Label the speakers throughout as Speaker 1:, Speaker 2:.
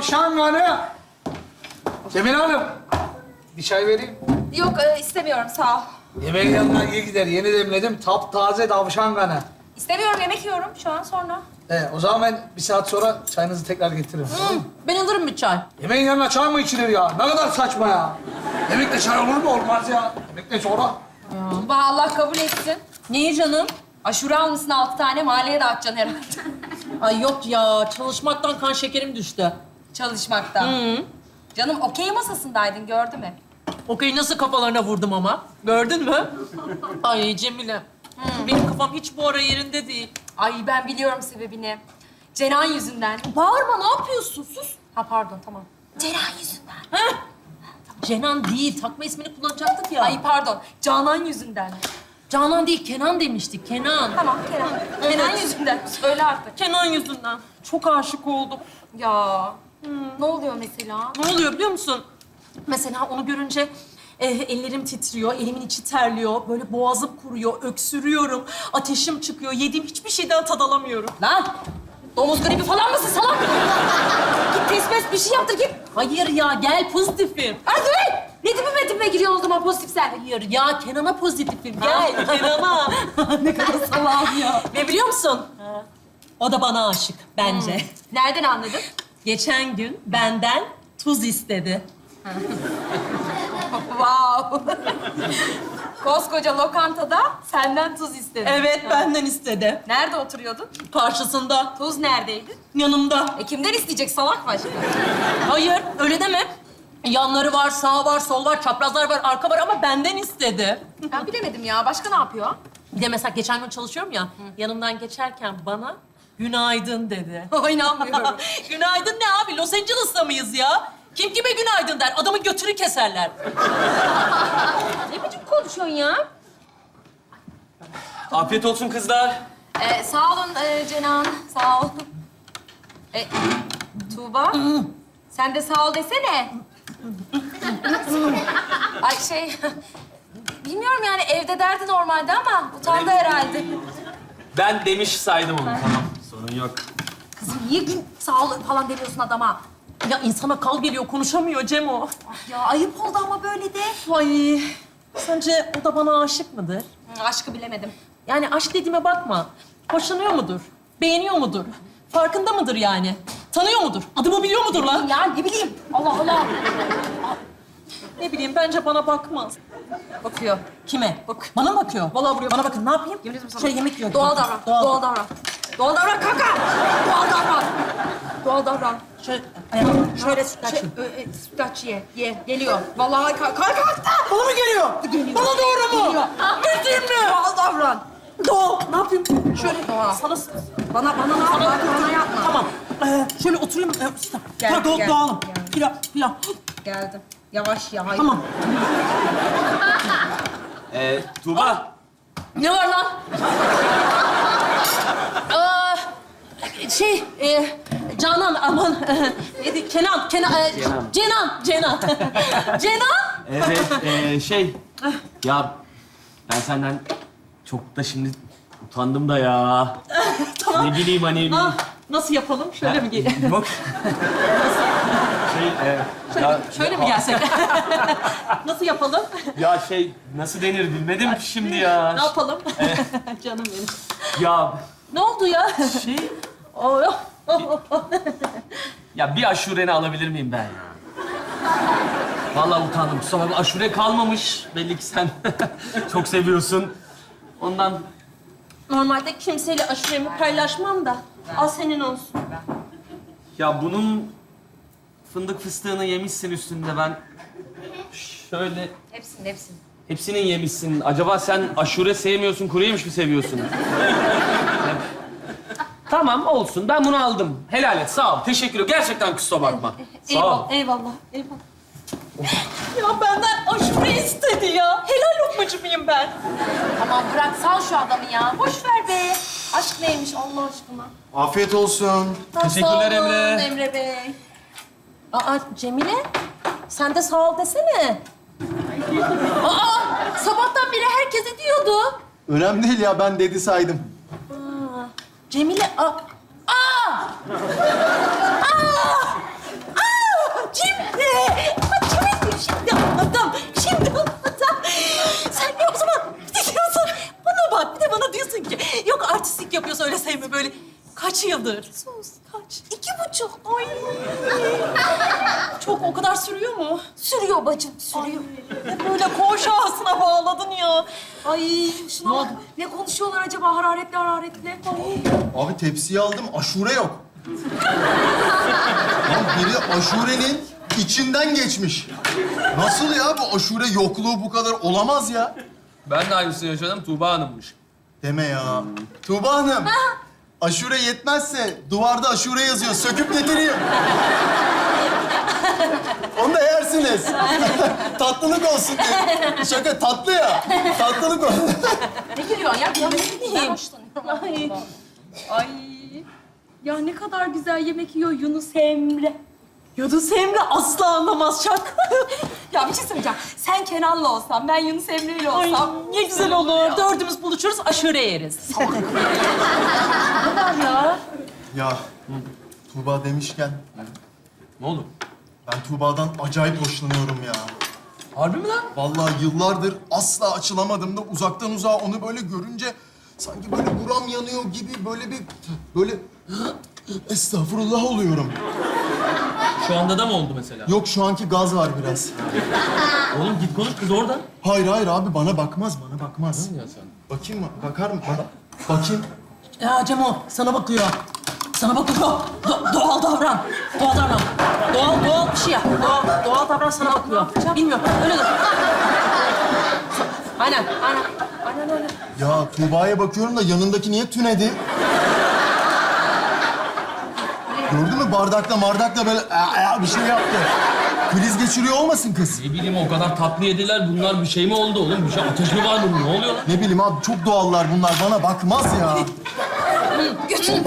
Speaker 1: tavşan kanı. Cemile Hanım, bir çay vereyim.
Speaker 2: Yok istemiyorum sağ ol.
Speaker 1: Yemeğin yanına iyi gider. Yeni demledim. Taptaze tavşan kanı.
Speaker 2: İstemiyorum yemek yiyorum şu an sonra.
Speaker 1: O zaman ben bir saat sonra çayınızı tekrar getiririm.
Speaker 3: Ben alırım bir çay.
Speaker 1: Yemeğin yanına çay mı içilir ya? Ne kadar saçma ya. Yemekle çay olur mu? Olmaz ya. Yemekle sonra.
Speaker 2: Bah Allah kabul etsin.
Speaker 3: Niye canım?
Speaker 2: Aşure almışsın 6 tane, mahalleye dağıtacaksın herhalde.
Speaker 3: Ay yok ya, çalışmaktan kan şekerim düştü.
Speaker 2: Çalışmaktan. Canım okey masasındaydın, gördüm hep.
Speaker 3: Okey nasıl kafalarına vurdum ama. Gördün mü? Ay Cemile. Benim kafam hiç bu ara yerinde değil.
Speaker 2: Ay ben biliyorum sebebini. Ceren yüzünden.
Speaker 3: Bağırma, ne yapıyorsun? Sus.
Speaker 2: Ha pardon, tamam. Ceren yüzünden.
Speaker 3: Heh. Cenan değil, takma ismini kullanacaktık ya.
Speaker 2: Ay pardon, Canan yüzünden.
Speaker 3: Canan değil, Kenan demiştik, Kenan.
Speaker 2: Tamam, Kenan. Kenan yüzünden. Söyle artık.
Speaker 3: Kenan yüzünden. Çok aşık oldum.
Speaker 2: Ya. Ne oluyor mesela?
Speaker 3: Ne oluyor biliyor musun? Mesela onu görünce ellerim titriyor, elimin içi terliyor. Böyle boğazım kuruyor, öksürüyorum. Ateşim çıkıyor. Yediğim hiçbir şeyden tad alamıyorum.
Speaker 2: Lan! Domuz gribi falan mısın salak? Git test mes bir şey yaptır git.
Speaker 3: Hayır ya, gel pozitifim.
Speaker 2: Hadi be! Ne dibime giriyorsun o zaman pozitif sen?
Speaker 3: Hayır ya, Kenan'a pozitifim. Gel Kenan'a. Ne kadar salağım ya. Ve biliyor musun? O da bana aşık bence.
Speaker 2: Nereden anladın?
Speaker 3: Geçen gün benden tuz istedi.
Speaker 2: Wow! Koskoca lokantada senden tuz istedi.
Speaker 3: Evet, benden istedi.
Speaker 2: Nerede oturuyordun?
Speaker 3: Karşısında,
Speaker 2: Tuz neredeydi?
Speaker 3: yanımda.
Speaker 2: Kimden isteyecek salak başka?
Speaker 3: Hayır, öyle deme. Yanları var, sağ var, sol var, çaprazlar var, arka var ama benden istedi.
Speaker 2: Ben bilemedim ya. Başka ne yapıyor?
Speaker 3: Bir de mesela geçen gün çalışıyorum ya, yanımdan geçerken bana günaydın dedi.
Speaker 2: Ay inanmıyorum.
Speaker 3: Günaydın ne abi? Los Angeles'ta mıyız ya? Kim kime günaydın der? Adamın götünü keserler.
Speaker 2: Ne biçim konuşuyorsun ya?
Speaker 4: Afiyet olsun kızlar.
Speaker 2: Sağ olun Cenan. Sağ ol. Tuğba. Sen de sağ ol desene. Ay bilmiyorum yani evde derdi normalde ama utandı herhalde.
Speaker 4: Ben demiş saydım onu. Tamam, sorun yok.
Speaker 2: Kızım niye sağ ol falan demiyorsun adama?
Speaker 3: Ya insana kal geliyor, konuşamıyor Cemo.
Speaker 2: Ya ayıp oldu ama böyle de.
Speaker 3: Ay, sence o da bana aşık mıdır?
Speaker 2: Aşkı bilemedim.
Speaker 3: Yani aşk dediğime bakma. Hoşlanıyor mudur? Beğeniyor mudur? Farkında mıdır yani? Tanıyor mudur? Adımı biliyor mudur lan?
Speaker 2: Ya ne bileyim. Allah Allah.
Speaker 3: Ne bileyim, bence bana bakmaz.
Speaker 2: Bakıyor.
Speaker 3: Kime? Bak. Bana mı bakıyor? Vallahi buraya bana bakın. Ne yapayım?
Speaker 2: Yemin ederim sana.
Speaker 3: Şöyle yemek yiyor.
Speaker 2: Doğal davran. Doğal davran. Doğal davran kanka. Doğal davran. Doğal davran.
Speaker 3: Şöyle, ayağım. Şöyle sütlaç yiyeyim.
Speaker 2: Sütlaç ye. Geliyor. Vallahi kalktı.
Speaker 3: Bana mı geliyor? Bana doğru mu?
Speaker 2: Geliyor.
Speaker 3: Bildin mi?
Speaker 2: Doğal davran.
Speaker 3: Doğal. Ne yapayım? Şöyle.
Speaker 2: Doğal.
Speaker 3: Sana...
Speaker 2: Bana ne yapma? Bana yapma.
Speaker 3: Tamam. Şöyle oturayım.
Speaker 2: Gel,
Speaker 3: Tamam,
Speaker 2: gel.
Speaker 3: dağılım.
Speaker 2: Gel.
Speaker 3: Pilav.
Speaker 2: Geldim. Yavaş ya. Hayır.
Speaker 3: Tamam.
Speaker 4: Tuğba.
Speaker 3: Ne var lan? Canan, aman. Neydi? Kenan. Cenan. Cenan.
Speaker 4: Evet, ya ben senden çok da şimdi utandım da ya.
Speaker 3: Tamam.
Speaker 4: Ne bileyim hani...
Speaker 3: Nasıl yapalım? Şöyle mi gelelim?
Speaker 4: Yok. Ya,
Speaker 3: Şöyle mi gelsek? Nasıl yapalım?
Speaker 4: Ya nasıl denir bilmedim ki şimdi ya.
Speaker 3: Ne yapalım? Canım benim.
Speaker 4: Ya
Speaker 3: Ne oldu ya? Oh.
Speaker 4: ya bir aşureni alabilir miyim ben ya? Vallahi utandım. Kusura bakma, aşure kalmamış. Belli ki sen çok seviyorsun. Ondan
Speaker 3: Normalde kimseyle aşuremi paylaşmam da. Al senin olsun.
Speaker 4: ya bunun fındık fıstığını yemişsin üstünde ben. Şöyle
Speaker 2: Hepsini.
Speaker 4: hepsinin yemişsin. Acaba sen aşure sevmiyorsun, kuru yemiş mi seviyorsun? Tamam olsun. Ben bunu aldım. Helal et. Sağ ol. Teşekkür ederim. Gerçekten kusura bakma. Sağ ol.
Speaker 3: Eyvallah. Ya benden aşure istedi ya. Helal lokmacı mıyım ben?
Speaker 2: Tamam bırak sal şu adamı ya. Boş ver be. Aşk neymiş Allah aşkına.
Speaker 5: Afiyet olsun.
Speaker 4: Teşekkürler
Speaker 2: Sağ olun
Speaker 4: Emre.
Speaker 2: Emre Bey.
Speaker 3: Aa Cemile, sen de sağ ol desene. Sabahtan beri herkese diyordu.
Speaker 5: Önemli değil ya, ben dedi saydım.
Speaker 3: Cemile, şey mi böyle? Kaç yıldır? Sus, kaç?
Speaker 2: 2,5.
Speaker 3: Ay. Çok, o kadar sürüyor mu?
Speaker 2: Sürüyor bacım, sürüyor.
Speaker 3: Ne böyle koğuş ağasına bağladın ya.
Speaker 2: Ay şuna bak. Ne konuşuyorlar acaba hararetli hararetli? Ay.
Speaker 5: Abi tepsiyi aldım, aşure yok. Lan biri aşurenin içinden geçmiş. Nasıl ya bu aşure yokluğu bu kadar olamaz ya?
Speaker 6: Ben de aynısını yaşadım. Tuğba Hanım'mış.
Speaker 5: Deme ya. Tuğba Hanım, aşure yetmezse duvarda aşure yazıyor. Söküp getireyim. Onu da yersiniz. Tatlılık olsun diye. Şaka tatlı ya. Tatlılık olsun.
Speaker 2: Ne gülüyorsun ya? Ben hoşlanıyorum.
Speaker 3: Ay. Ay. Ya ne kadar güzel yemek yiyor Yunus Emre. Yunus Emre asla anlamaz Çak.
Speaker 2: Ya bir şey söyleyeceğim. Sen Kenan'la olsan, ben Yunus Emre'yle
Speaker 3: Ay
Speaker 2: olsam.
Speaker 3: ne güzel olur. Dördümüz buluşuruz, aşure yeriz. Ne kadar ya?
Speaker 5: Ya Tuğba demişken
Speaker 6: Ne oldu?
Speaker 5: ben Tuğba'dan acayip hoşlanıyorum ya.
Speaker 6: Harbi mi lan?
Speaker 5: Vallahi yıllardır asla açılamadım da uzaktan uzağa onu böyle görünce sanki böyle buram yanıyor gibi böyle estağfurullah oluyorum.
Speaker 6: Şu anda da mı oldu mesela?
Speaker 5: Yok şu anki gaz var biraz.
Speaker 6: Oğlum git konuş kız orada.
Speaker 5: Hayır abi bana bakmaz.
Speaker 6: Ne ya sen?
Speaker 5: Bakayım mı? Bakar mı? Bakayım.
Speaker 3: Ya Cemo, sana bakıyor. Sana bakıyor. Doğal davran. Doğal davran. Doğal bir şey yap. Doğal davran, sana bakıyor. Bilmiyorum, öyle dur. Aynen.
Speaker 5: Ya Tuğba'ya bakıyorum da yanındaki niye tünedi? Gördün mü bardakla böyle bir şey yaptı. Kriz geçiriyor olmasın kız?
Speaker 6: Ne bileyim o kadar tatlı yediler. Bunlar bir şey mi oldu oğlum? Bir şey ateş mi var bunun? Ne oluyor lan?
Speaker 5: Ne bileyim abi çok doğallar bunlar bana bakmaz ya.
Speaker 2: Götürün.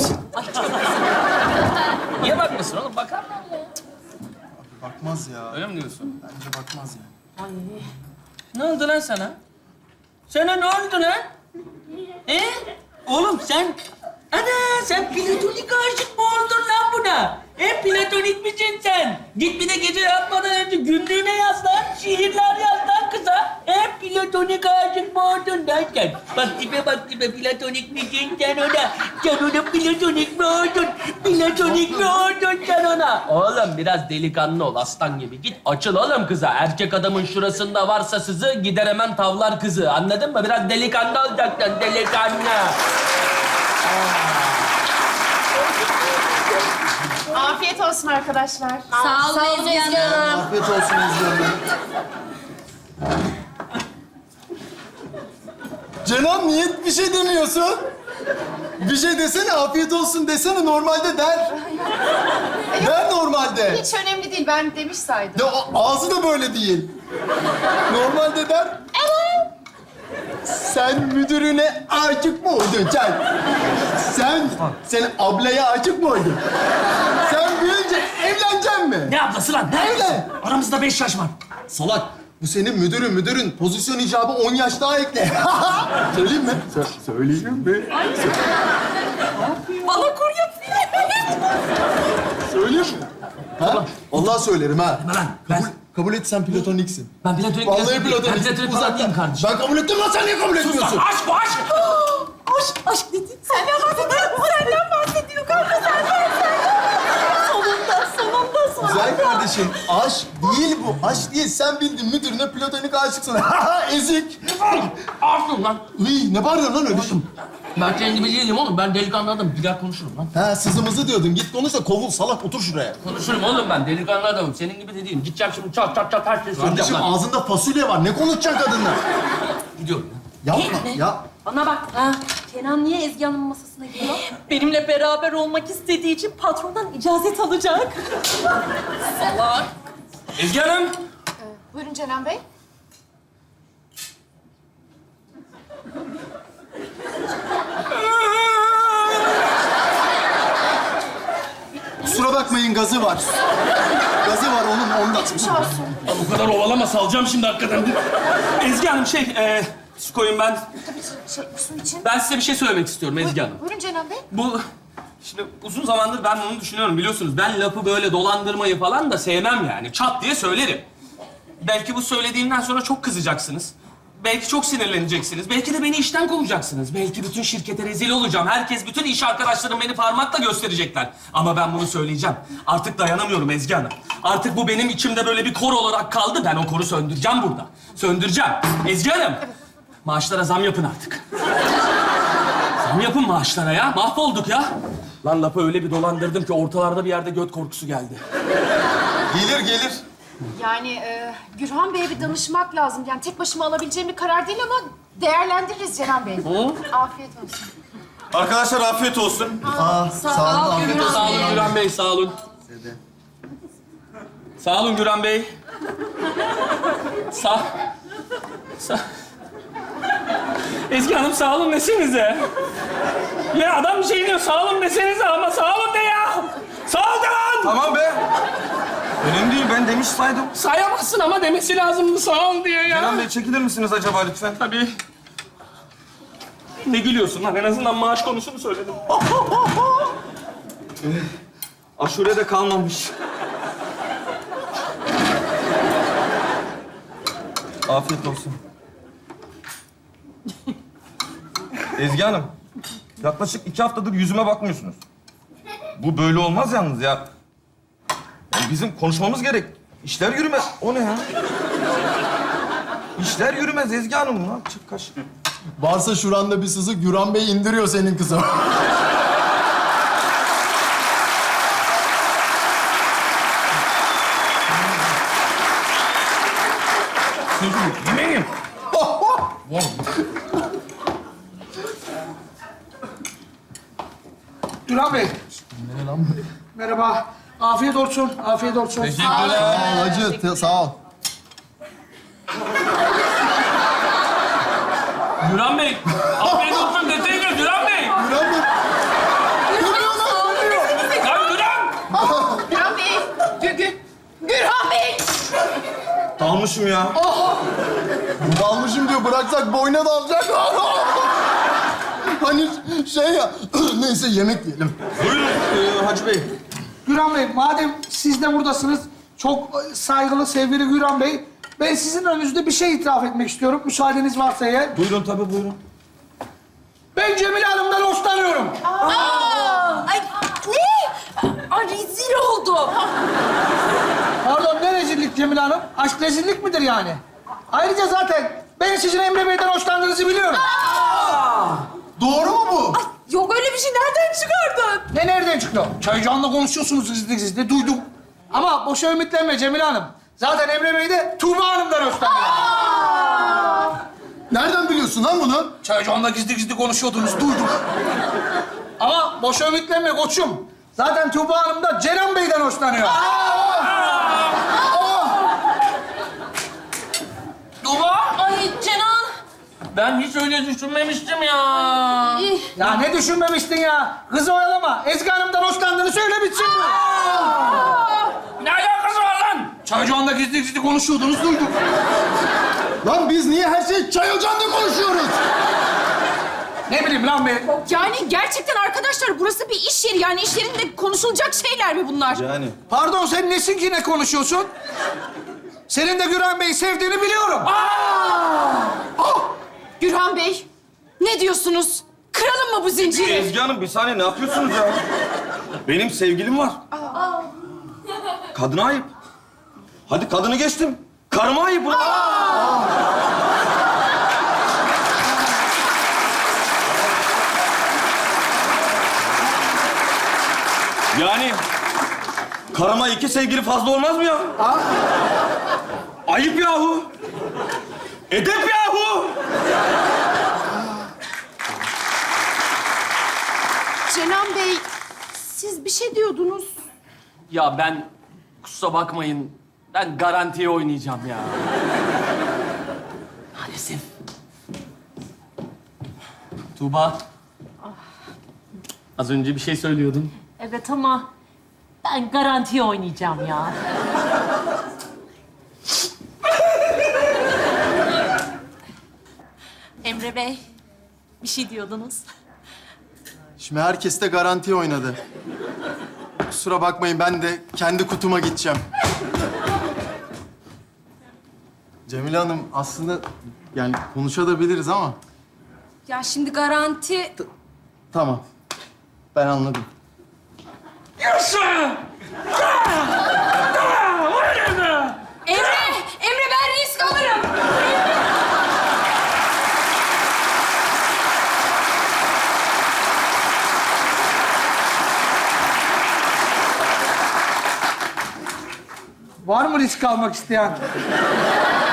Speaker 6: Niye bakmasın oğlum? Bakar mı?
Speaker 5: Bakmaz ya.
Speaker 6: Öyle mi diyorsun?
Speaker 5: Bence bakmaz ya.
Speaker 7: Ne oldu lan sana? Sana ne oldu lan? Oğlum sen... sen platonik aşık mı oldun lan buna? Platonik misin sen? Git bir de gece yatmadan önce günlüğüne yaz lan. Şiirler yaz lan kıza. Platonik aşık mı oldun lan sen? Bak tipe platonik misin sen ona? Sen ona platonik mi oldun? Platonik mi oldun sen ona? Oğlum biraz delikanlı ol aslan gibi. Git açıl oğlum kıza. Erkek adamın şurasında varsa sızı gider hemen tavlar kızı. Anladın mı? Biraz delikanlı olacaksın delikanlı.
Speaker 8: Afiyet olsun arkadaşlar.
Speaker 2: Sağ olun Ezgi Hanım.
Speaker 5: Afiyet olsun izliyorum. Canan niye bir şey demiyorsun? Bir şey desene, afiyet olsun desene. Normalde der. Der normalde.
Speaker 8: Hiç önemli değil. Ben demiş saydım.
Speaker 5: Ya ağzı da böyle değil. Normalde der. Evet. Sen müdürüne aşık mı oldun sen ablaya aşık mı oldun? Sen büyüyünce evleneceksin mi?
Speaker 7: Ne ablası lan? Ne?
Speaker 5: Evlen.
Speaker 7: Aramızda 5 yaş var.
Speaker 5: Salak. Bu senin müdürün. Pozisyon icabı 10 yaş daha ekle. Söyleyeyim mi? Söyleyeyim mi?
Speaker 3: Bana kur yapıyor.
Speaker 5: Söyleyeyim mi? Ha? Vallahi söylerim ha.
Speaker 7: Deme lan. Ben,
Speaker 5: Kabul et sen platoniksin.
Speaker 7: ben platonik
Speaker 5: Vallahi
Speaker 7: Ben
Speaker 5: platoniksin.
Speaker 7: platonik falan değilim kardeşim.
Speaker 5: Ben kabul ettim lan sen niye kabul etmiyorsun?
Speaker 7: Aşk bu aşk.
Speaker 3: Aşk dedi. Senden bahsediyor kanka, senden. Sonunda.
Speaker 5: Güzel kardeşim. Aşk değil bu. Aşk değil. Sen bildin müdürüne platonik aşıksın. Ezik.
Speaker 7: Aşkım lan.
Speaker 5: Uy, ne bağırıyorsun lan öyle?
Speaker 7: Ben senin gibi değilim oğlum. Ben delikanlı adamım. Gider konuşurum lan.
Speaker 5: Ha sızımızı diyordun. Git konuş da kovul salak otur şuraya.
Speaker 7: Konuşurum oğlum ben. Delikanlı adamım. Senin gibi de değilim. Gideceğim şimdi çat her şeyi söyleyeceğim
Speaker 5: Kardeşim
Speaker 7: lan.
Speaker 5: ağzında fasulye var. Ne konuşacaksın kadınla?
Speaker 7: Gidiyorum.
Speaker 5: Yapma ya.
Speaker 2: Bana bak. Kenan niye Ezgi Hanım'ın masasına gidiyor?
Speaker 3: Benimle beraber olmak istediği için patrondan icazet alacak. Salak.
Speaker 7: Ezgi Hanım.
Speaker 8: Buyurun Cenan Bey.
Speaker 5: Kusura bakmayın gazı var. Gazı var onun ondan.
Speaker 7: Ya bu kadar ovalama salacağım şimdi hakikaten. Ezgi Hanım su koyun ben.
Speaker 8: Su için.
Speaker 7: Ben size bir şey söylemek istiyorum Ezgi Hanım.
Speaker 8: Buyurun Cenan Bey.
Speaker 7: Bu şimdi uzun zamandır ben bunu düşünüyorum biliyorsunuz. Ben lafı böyle dolandırmayı falan da sevmem yani. Çat diye söylerim. Belki bu söylediğimden sonra çok kızacaksınız.
Speaker 6: belki çok sinirleneceksiniz. Belki de beni işten kovacaksınız. Belki bütün şirkete rezil olacağım. Herkes, bütün iş arkadaşlarım beni parmakla gösterecekler. Ama ben bunu söyleyeceğim. Artık dayanamıyorum Ezgi Hanım. Artık bu benim içimde böyle bir kor olarak kaldı. Ben o koru söndüreceğim burada. Söndüreceğim. Ezgi Hanım, maaşlara zam yapın artık. Zam yapın maaşlara ya. Mahvolduk ya. Lan lafı öyle bir dolandırdım ki ortalarda bir yerde göt korkusu geldi.
Speaker 5: Gelir gelir.
Speaker 8: Yani Gürhan Bey'e bir danışmak lazım. Yani tek başıma alabileceğim bir karar değil ama değerlendiririz Cenan Bey. Afiyet olsun.
Speaker 5: Arkadaşlar afiyet olsun. Sağ olun. Afiyet olsun.
Speaker 6: Sağ olun Güran Bey, sağ olun. Sağ olun Güran Bey. Sağ... Ezgi Hanım sağ olun desenize. Ya adam bir şey diyor, sağ olun desenize ama sağ olun de ya. Sağ ol de lan.
Speaker 1: Tamam be. Önemli değil, ben demiş saydım.
Speaker 6: Sayamazsın ama demesi lazımdı sağ ol diye ya.
Speaker 1: Kenan Bey çekilir misiniz acaba lütfen?
Speaker 6: Tabii. Ne gülüyorsun lan? En azından maaş konusunu söyledim.
Speaker 1: Aşure de kalmamış. Afiyet olsun. Ezgi Hanım, yaklaşık 2 haftadır yüzüme bakmıyorsunuz. Bu böyle olmaz yalnız ya. Yani bizim konuşmamız gerek. İşler yürümez. O ne ya? İşler yürümez Ezgi Hanım lan. Çık kaş.
Speaker 5: Varsa şuranda bir sızı Güran Bey indiriyor senin kızı.
Speaker 1: Yemeğim. Duran Bey. Merhaba. Afiyet olsun. Afiyet olsun.
Speaker 6: Teşekkürler.
Speaker 5: Hacı sağ ol.
Speaker 6: Güran Bey, afiyet olsun deseydi Güran Bey.
Speaker 5: Güran Bey.
Speaker 6: Lan Güran.
Speaker 8: Gürhan Bey! Gürhan Bey!
Speaker 1: Dalmışım ya.
Speaker 5: Dalmışım diyor, bıraksak boyuna dalacak. Hani şey ya, neyse yemek yiyelim.
Speaker 1: Buyurun Hacı Bey. Güran Bey, madem siz de buradasınız, çok saygılı, sevgili Güran Bey, ben sizin önünüzde bir şey itiraf etmek istiyorum, müsaadeniz varsa eğer. Buyurun, tabii buyurun. Ben Cemile Hanım'dan hoşlanıyorum.
Speaker 2: Ay ne? Ay rezil oldu.
Speaker 1: Pardon, ne rezillik Cemile Hanım? Aşk rezillik midir yani? Ayrıca zaten ben sizin Emre Bey'den hoşlandığınızı biliyorum.
Speaker 5: Doğru mu bu?
Speaker 2: Yok öyle bir şey, nereden çıkardın?
Speaker 1: Ne nereden çıktı? Çaycan'la konuşuyorsunuz gizli gizli, duydum. Ama boşa ümitlenme Cemile Hanım. Zaten Emre Bey de Tuğba Hanım'dan hoşlanıyor.
Speaker 5: Nereden biliyorsun lan bunu?
Speaker 1: Çaycan'la gizli gizli konuşuyordunuz, duydum. Ama boşa ümitlenme koçum. Zaten Tuğba Hanım da Cenan Bey'den hoşlanıyor.
Speaker 6: Tuğba.
Speaker 2: Ay Cenan.
Speaker 6: Ben hiç öyle düşünmemiştim ya.
Speaker 1: Ya ne düşünmemiştin ya? Kızı oyalama. Ezgi Hanım'dan hoşlandığını söyle bitsin bu.
Speaker 6: Ne alakası var lan?
Speaker 1: Çaycan'la gizli gizli konuşuyordunuz, duydum.
Speaker 5: Lan biz niye her şeyi çay ocağında konuşuyoruz?
Speaker 1: Ne bileyim lan be.
Speaker 8: Yani gerçekten arkadaşlar burası bir iş yeri. Yani iş yerinde konuşulacak şeyler mi bunlar?
Speaker 5: Yani.
Speaker 1: Pardon, sen nesin ki ne konuşuyorsun? Senin de Güran Bey'i sevdiğini biliyorum.
Speaker 8: Gürhan Bey, ne diyorsunuz? Kıralım mı bu zinciri?
Speaker 1: Ezgi Hanım, bir saniye, ne yapıyorsunuz ya? Benim sevgilim var. Kadına ayıp. Hadi kadını geçtim. Karıma ayıp. Yani karıma 2 sevgili fazla olmaz mı ya? Ayıp yahu. Edep yahu.
Speaker 8: Cenan Bey, siz bir şey diyordunuz.
Speaker 4: Ya ben kusura bakmayın. Ben garantiye oynayacağım ya. Maalesef. Tuğba. Az önce bir şey söylüyordun.
Speaker 3: Evet ama ben garantiye oynayacağım ya. Emre Bey, bir şey diyordunuz.
Speaker 5: Şimdi herkes de garanti oynadı. Kusura bakmayın, ben de kendi kutuma gideceğim. Cemile Hanım aslında yani konuşabiliriz ama
Speaker 2: Ya şimdi garanti...
Speaker 5: tamam. Ben anladım.
Speaker 7: Yaşa!
Speaker 2: Emre ben risk alırım.
Speaker 1: Var mı risk almak isteyen?